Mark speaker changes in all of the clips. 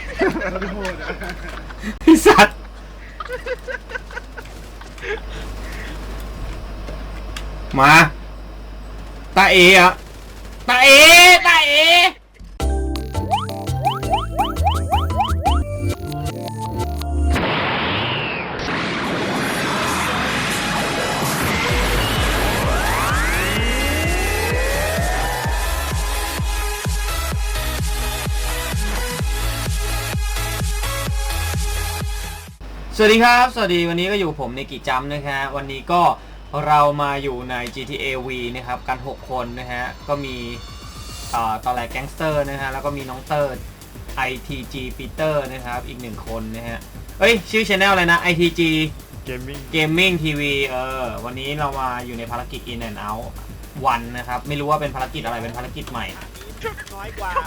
Speaker 1: โทษนะ
Speaker 2: ไอ้สัตว์มาตาเอ๋อะตาเอ๋ตาเอ๋สวัสดีครับสวัสดีวันนี้ก็อยู่ผมในกิจจัมนะฮะวันนี้ก็เรามาอยู่ใน GTA V นะครับกัน6คนนะฮะก็มีตอนแรกแก๊งสเตอร์นะฮะแล้วก็มีน้องเติร์ด ITG ปีเตอร์นะครับอีก1คนนะฮะเอ้ยชื่อ channel อะไรนะ ITG Gaming TV วันนี้เรามาอยู่ในภารกิจ In and Out วันนะครับไม่รู้ว่าเป็นภารกิจอะไรเป็นภารกิจใหม่
Speaker 3: น้อยกว่า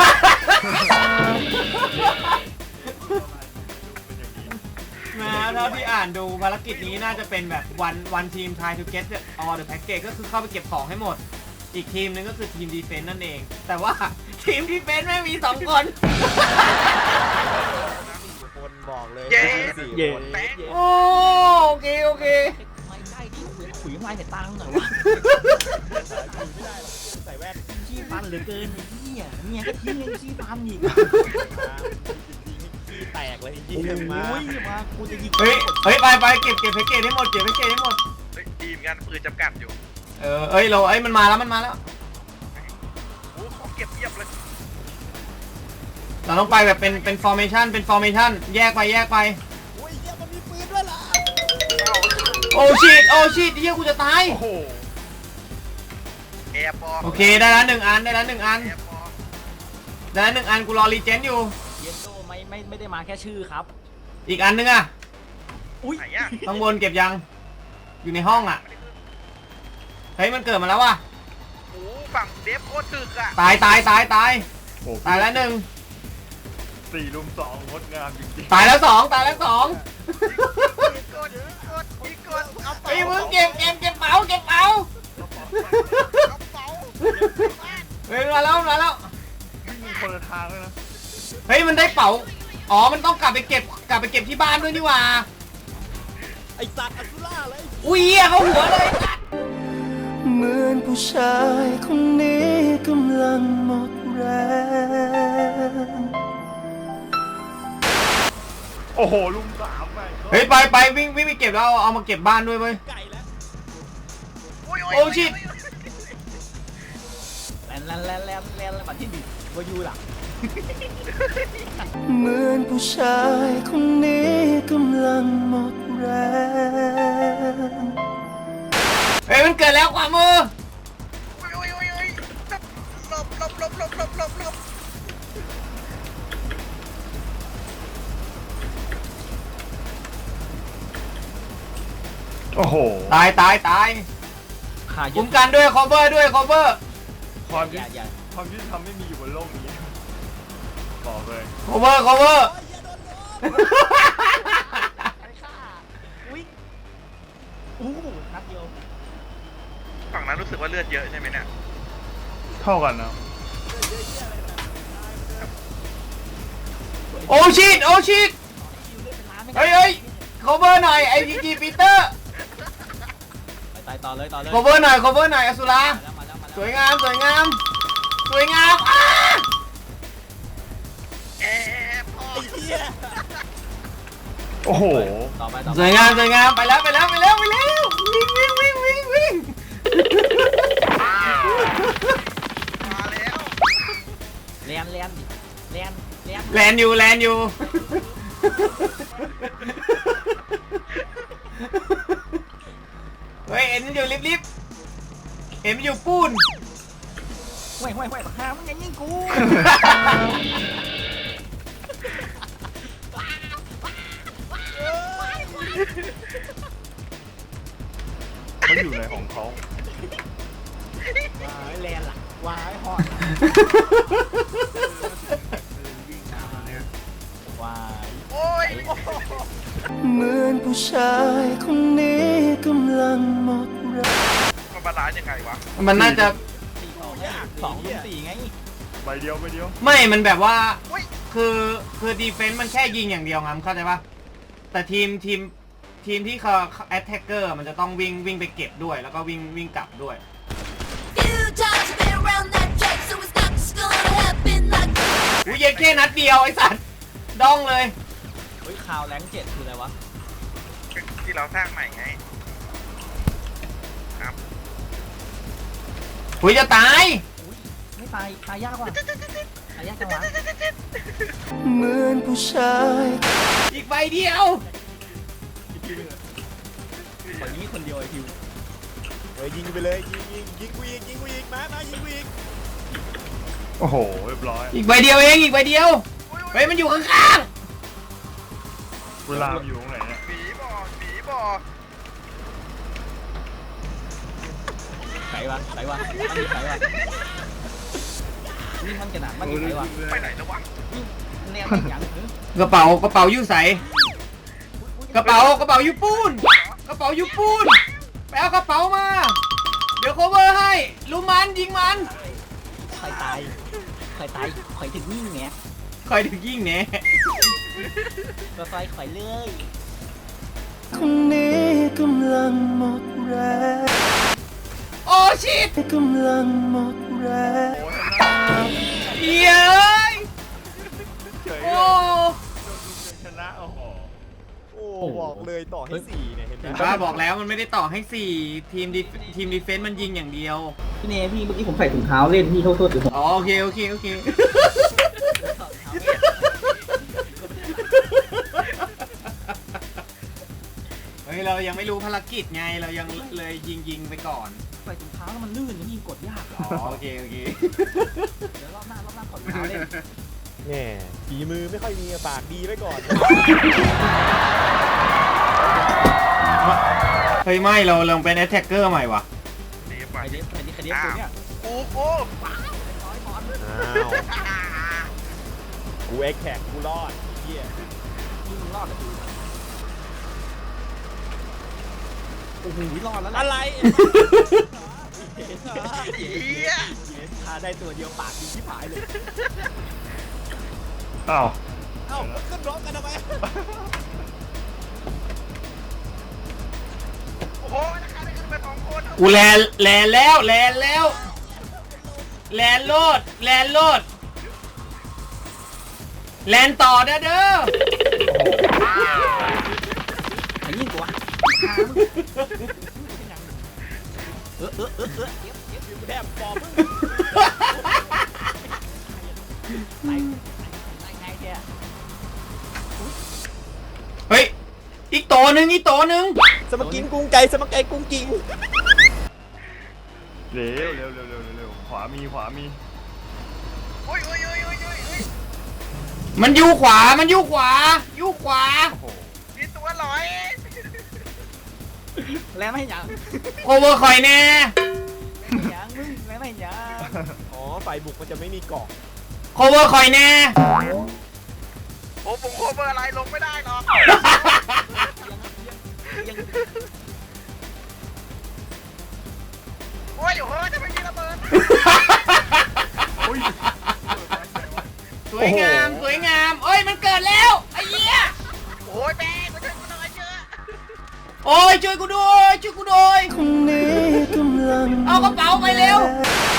Speaker 2: เท่าที่อ่านดูภารกิจนี้น่าจะเป็นแบบวันทีม try to get all the package ก็คือเข้าไปเก็บของให้หมดอีกทีมนึงก็คือทีม defense นั่นเองแต่ว่าทีม defense ไม่มี2คน
Speaker 3: คนบอกเลย
Speaker 1: เย่
Speaker 2: โอเค
Speaker 4: ไม่ใช่ที่ขุยมาแต่ตังค์หน่อยวะ
Speaker 3: ใส่แว่น
Speaker 4: ขี้ฟันเหลือเกินเนี่ยก็ทิ้งยังขี้ฟันอีก
Speaker 3: ขี้แตกเลยขี้
Speaker 4: โอ้
Speaker 3: มาย
Speaker 4: มากูจะยิง
Speaker 2: เฮ้ยไปเก็บแพ็กเกจให้หมดเก็บแพ็กเกจให้หมด
Speaker 1: ทีมกันปืนจำกัดอยู่
Speaker 2: มันมาแล้ว
Speaker 1: โอ้ของเก็บเพียบเลย
Speaker 2: เราต้องไปแบบเป็น formation แยกไป
Speaker 3: โอ้ยเหี้ยมันมีปืนด้วยเหรอ
Speaker 2: โอ้ชิตเหี้ยกูจะตาย
Speaker 1: โอ้โหแอร์ปอ
Speaker 2: โอเคได้แล้ว1 อัน
Speaker 1: แอร์ปอ
Speaker 2: ได้แล้ว1 อันกูรอรีเจนอยู่
Speaker 4: เยนโดไม่ได้มาแค่ชื่อครับ
Speaker 2: อีกอันนึงอะ
Speaker 4: อุ้ย
Speaker 2: ข้างบนเก็บยังอยู่ในห้องอะเฮ้ยมันเกิดมาแล้วว่ะ
Speaker 1: โอ้ฝั่งเดฟโคตรตึกอะ
Speaker 2: ตายแล้ว1
Speaker 1: 4 ลุม 2งดงามจริงๆ
Speaker 2: ตายแล้ว2
Speaker 1: กดเอา
Speaker 2: เฮ้ยมึงเก็บเป๋าเฮ้ยมาแล้ว
Speaker 1: มีคนละทางเลยนะ
Speaker 2: เฮ้ยมันได้เป๋าอ๋อมันต้องกลับไปเก็บที่บ้านด้วยนี่หว่า
Speaker 3: ไอ้สัตว์อัศล่าเลย
Speaker 2: อุ้ยเข้าหัวเลย
Speaker 5: เหมือนผู้ชายคนนี้กำลังหมดแรง
Speaker 1: โอ้โหลุม3ไป
Speaker 2: เฮ้ยไปวิ่งไปเก็บแล้วเอามาเก็บบ้านด้วยเว้ย
Speaker 3: ไก่แล้ว
Speaker 2: โอ้ชิต
Speaker 4: แลนมาที่ดิวายูล่ะ
Speaker 5: เหมือนผู้ชายคนนี้กำลังหมดแรง
Speaker 2: เฮ้ยมันเกิดแล้วขวามือ
Speaker 1: ลบโอ้โห
Speaker 2: ตายคุ้มกันด้วย cover
Speaker 1: ความที่ทำไม่มีอยู่บนโลกนี้บอกเลย
Speaker 2: cover
Speaker 4: อุ้ยอู้นัดเดียว
Speaker 1: ฝั่งนั้นรู้สึกว่าเลือดเยอะใช่ไหมเนี่ยเท่ากันนะ
Speaker 2: โอ้ชิตเฮ้ย cover หน่อย ITG ปีเตอร์
Speaker 4: ไปต่อเลย
Speaker 2: cover หน่อยอสุราสวยงาม
Speaker 1: โอ้โห
Speaker 4: ต่อไป
Speaker 2: สวยงามไปแล้ววิ่งมาแล้วแลนอยู่เฮ้ยเอ็นอยู่รีบเอ็นอยู่ปูน
Speaker 4: ห่วยบักฮามึงยังยิงกู
Speaker 1: เขาอยู่ในของเขา
Speaker 4: วายแลนล่ะวายฮอดวาย
Speaker 1: โอ้ย
Speaker 5: เหมือนผู้ชายคนนี้กำลังหมดแรง
Speaker 1: มันบาลานซ์ยังไงวะ
Speaker 2: มันน่าจะ
Speaker 4: 2 ลุม 4ไง
Speaker 1: ใบเดียว
Speaker 2: ไม่มันแบบว่าคือดีเฟนซ์มันแค่ยิงอย่างเดียวงั้นเข้าใจปะแต่ทีมที่เขาแอตแทกเกอร์มันจะต้องวิ่งไปเก็บด้วยแล้วก็วิ่งกลับด้วย
Speaker 6: Few times I've been around that track, so it's not just gonna happen like
Speaker 2: อุ้ยเย็นแค่นัดเดียวไอ้สัตว์ดองเลย
Speaker 3: เฮ้ยข่าวแรงเจ็ดคืออะไรวะ
Speaker 7: ที่เราสร้างใหม่ไง
Speaker 2: อุ้ยจะตาย
Speaker 3: ไม่ตายยากว่ะตายยากจังวะ
Speaker 5: เหมือนผู้ชาย
Speaker 2: อีกใบเดียว
Speaker 3: ขอยิงคนเดียวไอ้คิว
Speaker 4: เฮ้ยยิงไปเลยยิงกูอีกยิงกูอีกมายิงกูอีก
Speaker 1: โอ้โหเรียบร้อย
Speaker 2: อีกใบเดียวเองอีกใบเดียวเฮ้ยมันอยู่ข้าง
Speaker 1: เวลามันอยู่ตรงไหนเนี่ย
Speaker 7: ผีบ่อ
Speaker 3: ไหนวะมันอยู่ไหนวะนี่มันจะหนักมันอยู่ไหนวะ
Speaker 7: ไปไหนแล้ววะ
Speaker 3: แนวเป็นอย่าง
Speaker 2: ๆกระเป๋อยู่ใสกระเป๋าอยู่ปูนกระเป๋าอยู่ปูนไปเอากระเป๋ามาเดี๋ยว cover ให้รู้มันยิงมัน
Speaker 3: ใครตายใครถึงนี่ไง
Speaker 2: คอยถึงยิงแหน่
Speaker 3: ก็ไฟข่อยเลย
Speaker 5: คนนี้กำลังหมดแรง
Speaker 2: โอ้ชิต
Speaker 5: กำลังหมดแรง
Speaker 2: เย้ย
Speaker 1: เฉย
Speaker 2: โอ้
Speaker 1: ชนะโอ้โห
Speaker 4: โอ้บอกเลยต่อให้4เนี่ยเห็นไหม
Speaker 2: บ้าบอกแล้วมันไม่ได้ต่อให้4ทีมดีเฟนซ์มันยิงอย่างเดียว
Speaker 8: พี่เนพี่เมื่อกี้ผมใส่ถุงเท้าเล่นพี่โทษหรือผม
Speaker 2: อ๋อโอเคเฮ้ยเรายังไม่รู้ภารกิจไงเรายังเลยยิงไปก่อน
Speaker 3: ใส่ถุงเท้าแล้วมันลื่นนะพี่กดยาก
Speaker 2: อ๋อโอเค
Speaker 3: เดี๋ยวรอบหน้าขอถุงเท้าเล่น
Speaker 4: แหมฝีมือไม่ค่อยมีปากดีไว้ก่อน
Speaker 2: เฮ้ยไม่เราลงเป็นแอตแทกเกอร์ใหม่ว่ะ
Speaker 7: ดี
Speaker 3: ใค
Speaker 7: ไป
Speaker 3: รเด็ดกูเนี่ย
Speaker 7: กู
Speaker 4: อ้าวกูเอ็กแท็กกูรอดเฮีย
Speaker 3: ที่มึงรอดเลยโอ้โหรอดแล้ว
Speaker 4: อะไร
Speaker 7: เหี้ย
Speaker 4: ถ้าได้ตัวเดียวปากดีชิบหายเลย
Speaker 1: อ้าว
Speaker 4: เอ้าขึ้นร้องกันทำไม
Speaker 7: โอ้โหนะคะได้ขึ้นมา2 คน
Speaker 2: กูแลนแล้วแลนโลดแลนต่อเด้อ
Speaker 3: ใครยิงกูวะ
Speaker 4: แทบปอบมึง
Speaker 3: ไงเนี่ย
Speaker 2: เฮ้ยอีกตัวหนึ่ง
Speaker 4: สมกินกุ้งไก่สมไก่กุ้งกิ่ง
Speaker 1: เร็วขวามี
Speaker 7: โอ้ย
Speaker 2: มันอยู่ขวา
Speaker 1: โอ้โห
Speaker 7: มีตัวลอย
Speaker 3: แล้วไม่ยัง
Speaker 2: โอเวอร์คอยแน่
Speaker 3: ยังมึงแล้วไม่ยัง
Speaker 4: อ๋อฝ่ายบุกมันจะไม่มีเกาะ
Speaker 2: โอเวอร์คอยแน่
Speaker 7: โอ้ผมโคเวอร์อะไรลงไม่ได้หรอก
Speaker 3: ยัง
Speaker 7: โอ้ยโอ้โหจะไม่มีระเบิด
Speaker 1: อุ้ย
Speaker 2: สวยงามเอ้ยมันเกิดแล้วไอ้เหี้ย
Speaker 7: โอ้ยแม่มาช่วยกูหน่อยเจอ
Speaker 2: โอ้ยช่วยกูด้วย
Speaker 5: คนนี้กำลัง
Speaker 2: เอากระเป๋าไปเร็ว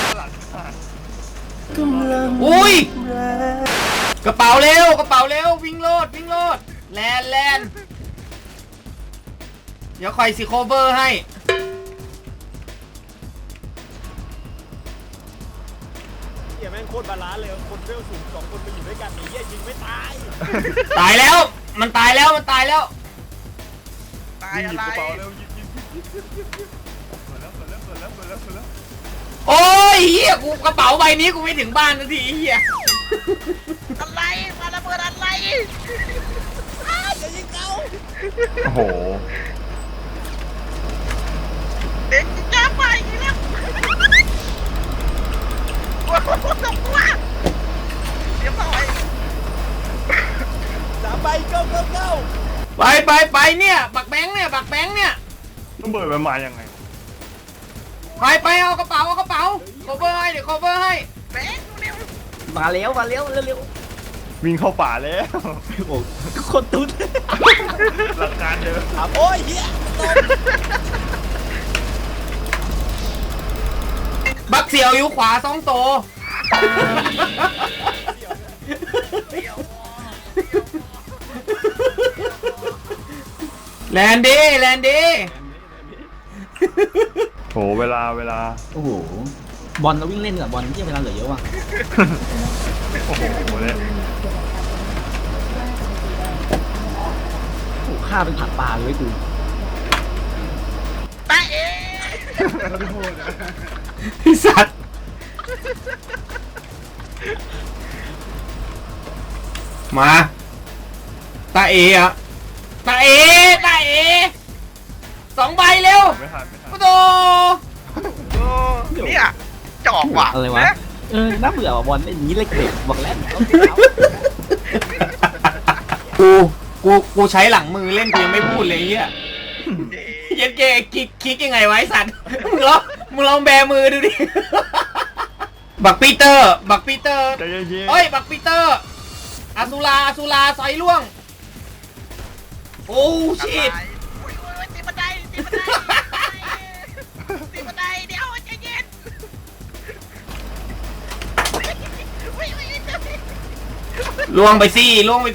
Speaker 5: กำลัง
Speaker 2: อุ้ย
Speaker 5: แรง
Speaker 2: กระเป๋าเร็ววิ่งโลดแลนเดี๋ยวคอยสิโคเวอร์ให้
Speaker 4: เฮียแม่งโคตรบาลานซ์เลยคนเวลสูง2 คนมาอยู่ด้วยกันนี่เฮียยิงไม่ตาย
Speaker 2: ตายแล้วมันตายแล้ว
Speaker 7: ตาย
Speaker 1: ยิง
Speaker 7: อะไร
Speaker 1: กระเป๋าเร็วยิงเปิดแล้ว
Speaker 2: โอ้ยเฮียกูกระเป๋าใบนี้กูไม่ถึงบ้านนาทีเฮีย
Speaker 7: อะไรมาระเบิดอะไร
Speaker 4: จะยิงเขา
Speaker 1: โอ้โห
Speaker 7: เด็กจะไปแล้วโอ้โหตกว่าเดี๋ยวต่อย
Speaker 4: 3 ใบเก้า
Speaker 2: ไปเนี่ยบักแบงค์เนี่ย
Speaker 1: ต้องเบิดมันมายังไง
Speaker 2: ไปเอากระเป๋าโคเวอร์ให้เดี๋ยวโคเวอร์ให้
Speaker 7: แบงค์เร็ว
Speaker 3: มาเร็วเร็ว
Speaker 1: วิ่งเข้าป่าแล้ว
Speaker 4: โอ้คนตุ๊ด
Speaker 1: หลักการเดิม
Speaker 4: โอ้ยเฮีย
Speaker 2: บักเสียวอยู่ขวา2 ตัวแลนดี้แลนดี้
Speaker 1: โหเวลา
Speaker 8: โอ้โหบอลเราวิ่งเล่นกับบอลที่เวลาเหลือเยอะว่ะ
Speaker 1: โอ้โหเลย
Speaker 8: โอ้ฆ่าเป็นผักปลาเลยกู
Speaker 7: ตาเอ๋
Speaker 2: ไอ้สัตว์มาตาเอ๋อะตาเอ๋2 ใบเร็ว
Speaker 1: ไม่ทัน
Speaker 2: โอ้โห
Speaker 7: โอ้เนี่ยจอกว่ะ
Speaker 8: อะไรวะ
Speaker 7: น
Speaker 8: น่าเบื่อว่ะบอลเล่นอย่างนี้เล็กๆบอกแล้วเอาสิเอา
Speaker 2: กูใช้หลังมือเล่นกูยังไม่พูดเลยเฮียเย็นเกคิกยังไงไวะไอ้สัตว์มึงลองแบมือดูดิ บักปีเตอร์
Speaker 1: ใจเย็น
Speaker 2: เฮ้ยบักปีเตอร์อาซูราซอยล่วงโอ้ชิต
Speaker 7: อุ้ยตีบันไดตีบันไดเดี๋ยวใจเย็นอุ้ย
Speaker 2: ล่วงไปสิ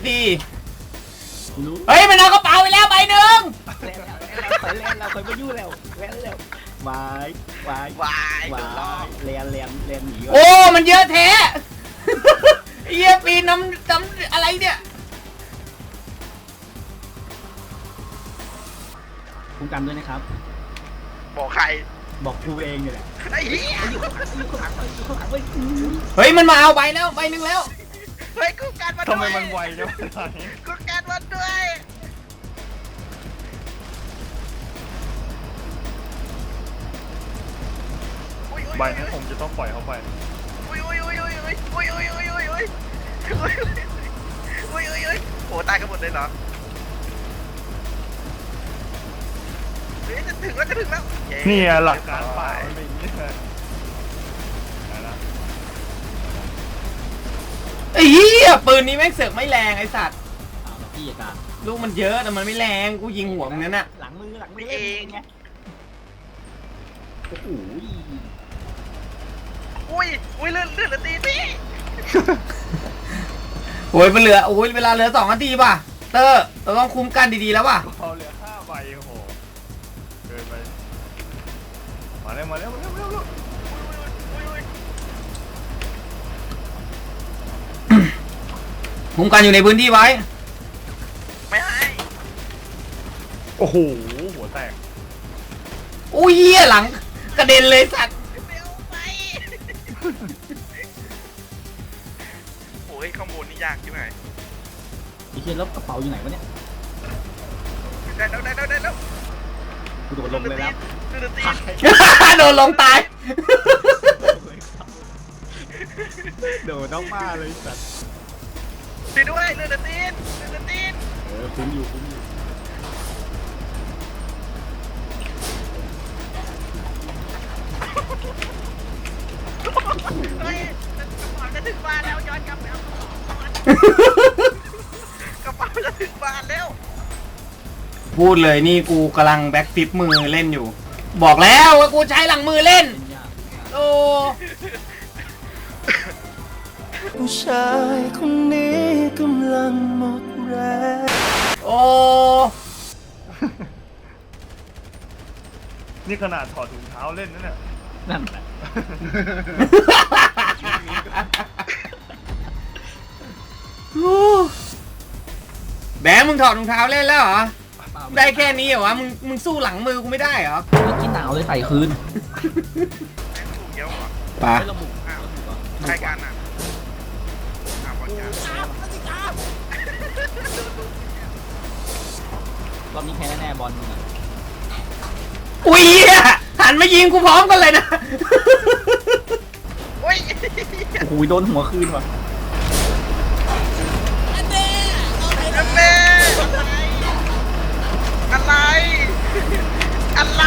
Speaker 2: เฮ้ยมันเอากระเป๋าไปแล้วใบหนึ่ง
Speaker 8: เคยเล่นเราเคยมายุ่งแล้วเล่นแล้ววายวายว
Speaker 7: าย
Speaker 8: วา
Speaker 7: โดนล้อย
Speaker 8: เลียนหนี
Speaker 2: โอ้มันเยอะแท้ ไอ้เหี้ยปีนน้ำอะไรเนี่ย
Speaker 8: คุ้มกันด้วยนะครับ
Speaker 7: บอกใคร
Speaker 8: บอกกูเองเนี่ยแหละ
Speaker 7: ไอ้เหี้ย
Speaker 8: อยู่ข้างหลังเว้ย
Speaker 2: เฮ้ยมันมาเอาใบแล้วใบหนึ่งแล้ว
Speaker 7: เฮ้ยกูการมา
Speaker 1: ทำไมมันไวจังวะ
Speaker 7: กูการมาด้วยอุ้ย
Speaker 1: ใบนั้นผมจะต้องปล่อยเขาไป
Speaker 7: โอ้ตายกันหมดเลยเหรอเฮ้ยจะถึงแล้วเย้
Speaker 1: นี่ไงหลักการป่ามันเป็นอย่างนี้เลยไหนล่ะ
Speaker 2: ไอ้เหี้ยปืนนี้แม่งเสือกไม่แรงไอ้สัตว์
Speaker 8: เอาละพี่กา
Speaker 2: ลูกมันเยอะแต่มันไม่แรงกูยิงหัวมึงนั่นน่ะ
Speaker 8: หลังมือเล่นไงโอ้โห
Speaker 7: อุ้ยเลื่อนตีพี่
Speaker 2: โอ้ยมันเหลือโอ้ยเวลาเหลือ2 นาทีป่ะเตอร์เราต้องคุ้มกันดีๆแล้วป่ะ
Speaker 1: เขาเหลือ5 ใบโอ้โหเกินไปมาเร็ว
Speaker 2: คุ้มกันอยู่ในพื้นที่ไว้
Speaker 7: ไม่ให้
Speaker 1: โอ้โหหัวแตก
Speaker 2: อุ้ยเหี้ยหลังกระเด็นเลยสัตว์
Speaker 7: เร็วไปโอ้ยข้างบนนี่ยากใช่ไหม
Speaker 8: ไอ้เชี่ยแล้วกระเป๋าอยู่ไหนวะเนี่ย
Speaker 7: ได้แล้ว
Speaker 8: กูโดดลงเลยแล้ว
Speaker 7: เลื่อนตี
Speaker 2: โดนลงตาย
Speaker 4: โดนน้องมาเลยสัตว์
Speaker 7: ตีด้วยเลื่อนตี
Speaker 4: คุ้มอยู่
Speaker 7: เฮ้ยกระเป๋าจะถึงบ้านแล้วย้อนกลับไปเอากระเป๋าจะถึงบ้านแล้ว
Speaker 2: พูดเลยนี่กูกำลังแบ็คฟลิปมือเล่นอยู่ บอกแล้วว่ากูใช้หลังมือเล่น
Speaker 8: เป็นยาก
Speaker 2: โอ้
Speaker 5: ผู้ชายคนนี้กำลังหมดแรง
Speaker 2: โอ้
Speaker 1: นี่ขนาดถอดถุงเท้าเล่นนั่นน่ะ
Speaker 8: นั่นแหละ
Speaker 2: แบงค์มึงถอดรองเท้าเล่นแล้วเหรอ ได้แค่นี้เหรอวะ มึงสู้หลังมือกูไม่ได้เหรอ
Speaker 8: เมื่อกี้หนาวเลยใส่คืน
Speaker 7: ถูกเยอะเหรอ
Speaker 2: ปะ
Speaker 8: ระบุ
Speaker 7: ใครกันอ่ะบอลกัน
Speaker 8: รอบนี้แพ้แน่บอลมึงอะ
Speaker 2: อุ้ยเหี้ยหันมายิงกูพร้อมกันเลยนะ
Speaker 7: โอ้ย
Speaker 8: โอ้โหโดนหัวคืนว่ะ
Speaker 7: แม่อะไรอะไร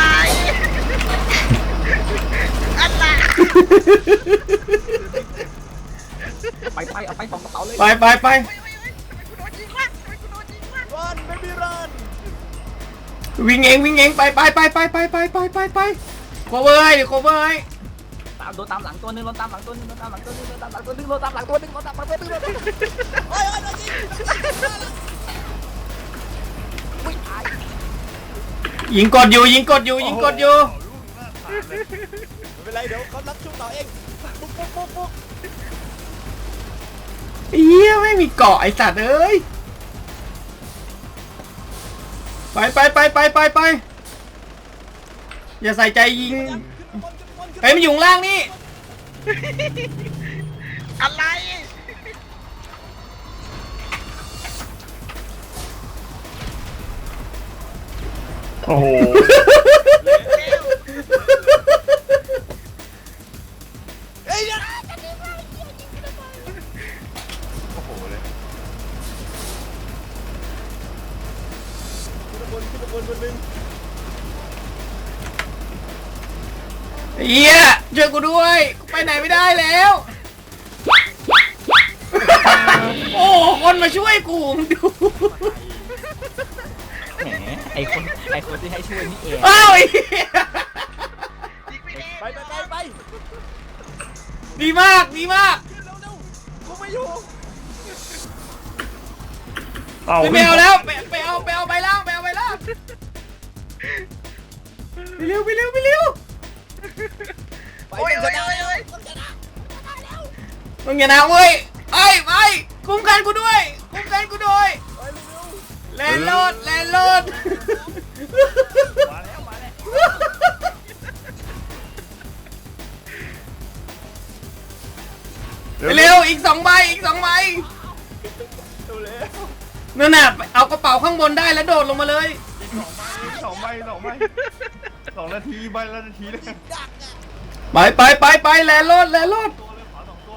Speaker 7: อะไร
Speaker 8: ไปเอาไป2 กระเป๋าเลย
Speaker 2: ไปไปไป
Speaker 7: ทำไมกูโดนยิงวะทำไมกูโดนยิงวะ
Speaker 4: รันไม่มีรัน
Speaker 2: วิ่งเองวิ่งเองไปไปไปไปไปไปไปไปไปโคเวอร์ให้ดิโคเวอร์ให้
Speaker 3: โดนตามหลังตัวนึงโดนตามหลังตัวนึงโดนตามหลังตัวนึงโดนตามหลังตัวนึงโดนตามหลังตัวนึงโดนตามหลังตัวนึงโดนตามหลังตัวนึงโอ้ยโดนยิงวิ่งตาย
Speaker 2: ยิงกดอยู่ยิงกดอยู่ยิงกดอยู่
Speaker 4: ไม่เป็นไรเดี๋ยวเขารับช่วงต่อเองปุ๊บปุ๊บปุ๊บปุ๊บ
Speaker 2: เฮียไม่มีเกาะไอสัตว์เอ้ยไปไปไปไปไปไปอย่าใส่ใจยิงเฮ้ยมันอยู่ข้างล่างนี่
Speaker 7: อะไร
Speaker 1: โอ้โห โอ้โหเลย
Speaker 4: ขึ้นบนคนหนึ่ง
Speaker 2: เฮียช่วยกูด้วยกูไปไหนไม่ได้แล้ว โอ้คนมาช่วยกูมึงดู
Speaker 3: แหมไอคนที่ให้ช่วยนี่เอง
Speaker 2: อ้าวไอ้เหี้ย
Speaker 7: ยิงไม่เอง
Speaker 4: ไปไปไปไป
Speaker 2: ดีมากดีมาก
Speaker 4: ขึ้นเร็วเร็วกูไม่อยู่
Speaker 1: เอา
Speaker 2: ไม่เอาแล้วไปเอาใบล่างไปเอาใบล่างไปเร็วไปเร็วไปเร็ว
Speaker 4: ไป
Speaker 7: โอ้ย
Speaker 4: กั
Speaker 7: โอ้
Speaker 4: น
Speaker 7: ย
Speaker 4: จะ
Speaker 7: โอ้
Speaker 4: ได้
Speaker 7: ยโอ้ย
Speaker 2: มึงอย่านะเว้ยไปคุ้มกันกูด้วยคุ้มกันกูด้วย
Speaker 4: ไปเร็ว
Speaker 2: แลนด์โหลดแลนด์โหลด
Speaker 1: มาแล้วมาแล้ว
Speaker 2: ไปเร็วอีก2 ใบอีก 2 ใบ
Speaker 4: เร็วเร็ว
Speaker 2: นั่นน่ะเอากระเป๋าข้างบนได้แล้วโดดลงมาเลย
Speaker 1: สองใบ2 นาทีใบละนาทีเลย
Speaker 2: ไปแลนด์โหลดแลนด์โหลด
Speaker 1: ตัวเลยขอ2 ตัว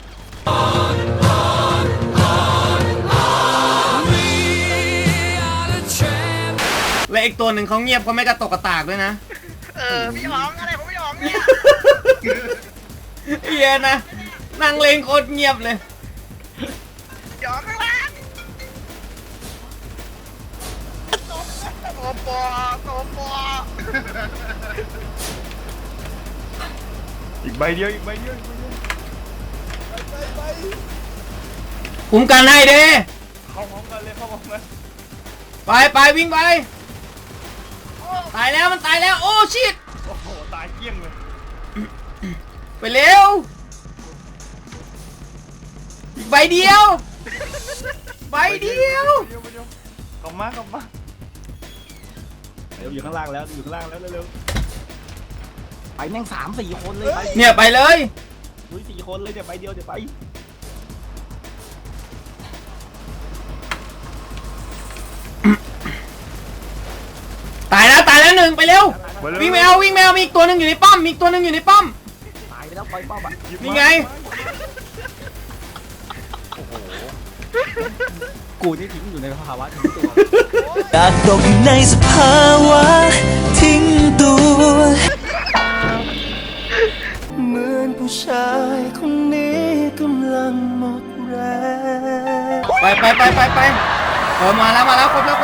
Speaker 2: และอีกตัวหนึ่งเขาเงียบเขาไม่กระตกกระตากด้วยนะ
Speaker 7: พี่หอมอะไรผมพี่หอมเนี่ย
Speaker 2: เฮียนะนั่งเลงโคตรเงียบเลย
Speaker 7: หยอมข้างล่างโตปอ
Speaker 1: อีกใบเดียว
Speaker 4: ไปไป
Speaker 2: คุ้มกันให้เด้
Speaker 1: เข้าพร้อมกันเลยเข้าพร้อมกัน
Speaker 2: ไปวิ่งไปตายแล้วมันตายแล้วโอ้ชิต
Speaker 1: โอ้โหตายเกลี้ยงเลย
Speaker 2: ไปเร็วอีกใบเดียวใบเดียว
Speaker 1: กลับมากลับมา
Speaker 8: เร็วอยู่ข้างล่างแล้วอยู่ข้างล่างแล้วเร็ว
Speaker 3: ไปแม่ง3-4 คนเลยไป
Speaker 2: เนี่ยไปเลย
Speaker 8: อุ้ย4 คนเลยเดี๋ยวไปเดียวเดี๋ยวไป
Speaker 2: ตายแล้ว1ไปเร็ววิ่งแมวมีอีกตัวหนึงอยู่ในป้อมมีอีกตัวหนึงอยู่ในป้อม
Speaker 3: ตายไปแล้วปล่อยป้อมอ่ะ
Speaker 2: นี่ไง
Speaker 3: กูนี่ทิ้งอยู่ในภาวะทิ้งตัว
Speaker 5: อยากตกอยู่ในสภาวะทิ้งตัว เหมือนผู้ชายคนนี้กำลังหมดแรง
Speaker 2: ไปมาแล้วครบแล้วไป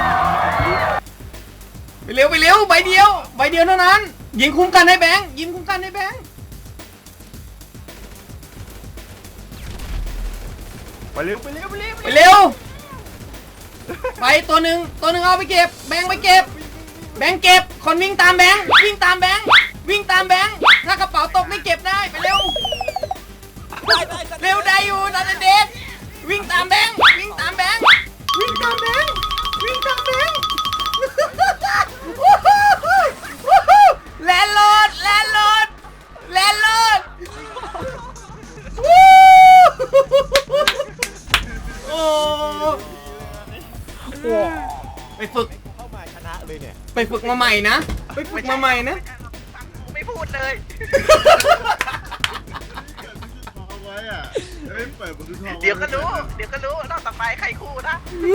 Speaker 2: เร็วใบเดียวเท่านั้นยิงคุ้มกันให้แบงค์
Speaker 1: ไปเร็ว
Speaker 2: ไปตัวหนึ่งเอาไปเก็บแบงค์ไปเก็บแบงค์เก็บคนวิ่งตามแบงค์ถ้ากระเป๋าตกไม่เก็บได้ไปเร็วได้อยู่นันเดชวิ่งตามแบงค์แลนด์โหลดโอ้ไปฝึก
Speaker 4: เข้ามาชนะเลยเนี่ย
Speaker 2: ไปฝึกมาใหม่นะ
Speaker 7: ไม่พูดเลย เดี๋ยวก็รู้รอบต่อไปใครคู่นะ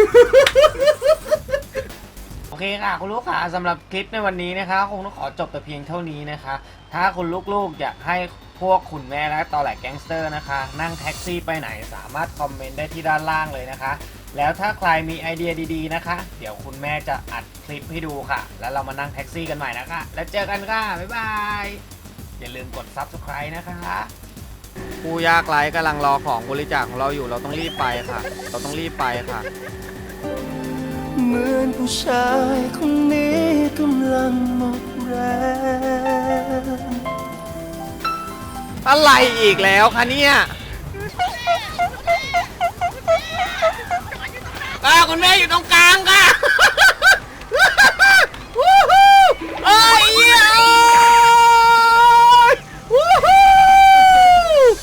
Speaker 2: โอเคค่ะคุณลูกค้าสำหรับคลิปในวันนี้นะคะคงต้องขอจบแต่เพียงเท่านี้นะคะถ้าคุณลูกๆอยากให้พวกคุณแม่และตอแหลกแก๊งสเตอร์นะคะนั่งแท็กซี่ไปไหนสามารถคอมเมนต์ได้ที่ด้านล่างเลยนะคะ แล้วถ้าใครมีไอเดียดีๆนะคะ เดี๋ยวคุณแม่จะอัดคลิปให้ดูค่ะ แล้วเรามานั่งแท็กซี่กันใหม่นะคะ แล้วเจอกันค่ะ บ๊ายบาย อย่าลืมกด Subscribe นะคะ ผู้ยากไร้กำลังรอของบริจาคของเราอยู่เราต้องรีบไปค่ะ เราต้องรีบไปค่ะ
Speaker 5: เหมือนผู้ชายคนนี้กำลังหมดแรง
Speaker 2: อะไรอีกแล้วคะเนี่ยคุณแม่อยู่ตรงกลางค่ะ